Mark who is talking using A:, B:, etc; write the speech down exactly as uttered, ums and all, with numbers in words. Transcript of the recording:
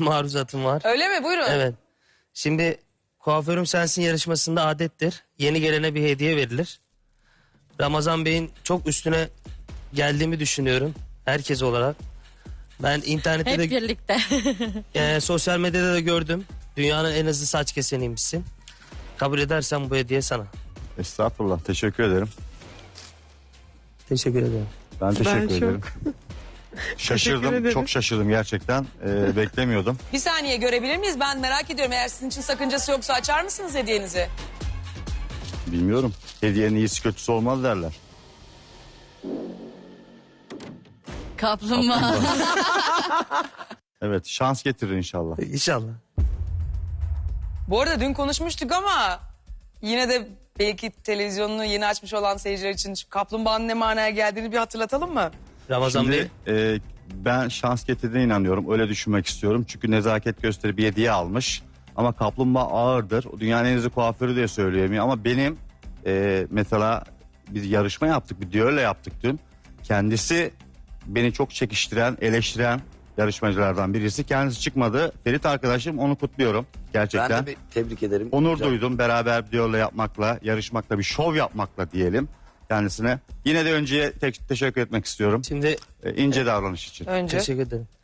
A: maruzatım var.
B: Öyle mi? Buyurun.
A: Evet. Şimdi Kuaförüm Sensin yarışmasında adettir. Yeni gelene bir hediye verilir. Ramazan Bey'in çok üstüne geldiğimi düşünüyorum. Herkes olarak. Ben internette
C: Hep
A: de
C: birlikte.
A: e, sosyal medyada da gördüm. Dünyanın en hızlı saç keseniymişsin. Kabul edersen bu hediye sana.
D: Estağfurullah, teşekkür ederim.
A: Teşekkür ederim.
D: Ben teşekkür
E: Ben çok-
D: ederim.
E: Teşekkür
D: Şaşırdım,
E: ederim.
D: çok şaşırdım gerçekten. Ee, beklemiyordum.
B: Bir saniye görebilir miyiz? Ben merak ediyorum. Eğer sizin için sakıncası yoksa açar mısınız hediyenizi?
D: Bilmiyorum. Hediyenin iyisi kötüsü olmaz derler.
C: Kaplumbağa.
D: Evet, şans getirir inşallah.
A: İnşallah.
B: Bu arada dün konuşmuştuk ama yine de belki televizyonunu yeni açmış olan seyirciler için şu kaplumbağanın ne manaya geldiğini bir hatırlatalım mı?
A: Ramazan Bey.
D: Şimdi e, ben şans getirdiğine inanıyorum. Öyle düşünmek istiyorum. Çünkü nezaket gösterip bir hediye almış. Ama kaplumbağa ağırdır. O dünyanın en hızlı kuaförü diye söyleyemiyor. Ama benim e, mesela biz yarışma yaptık. Bir düello yaptık dün. Kendisi beni çok çekiştiren, eleştiren yarışmacılardan birisi. Kendisi çıkmadı. Ferit arkadaşım, onu kutluyorum. Gerçekten.
F: Ben de bir tebrik ederim.
D: Onur
F: Güzel.
D: duydum beraber bir düello yapmakla, yarışmakla, bir şov yapmakla diyelim kendisine. Yine de önceye tek teşekkür etmek istiyorum.
A: Şimdi
D: E, ince davranış için.
B: Önce.
A: teşekkür ederim.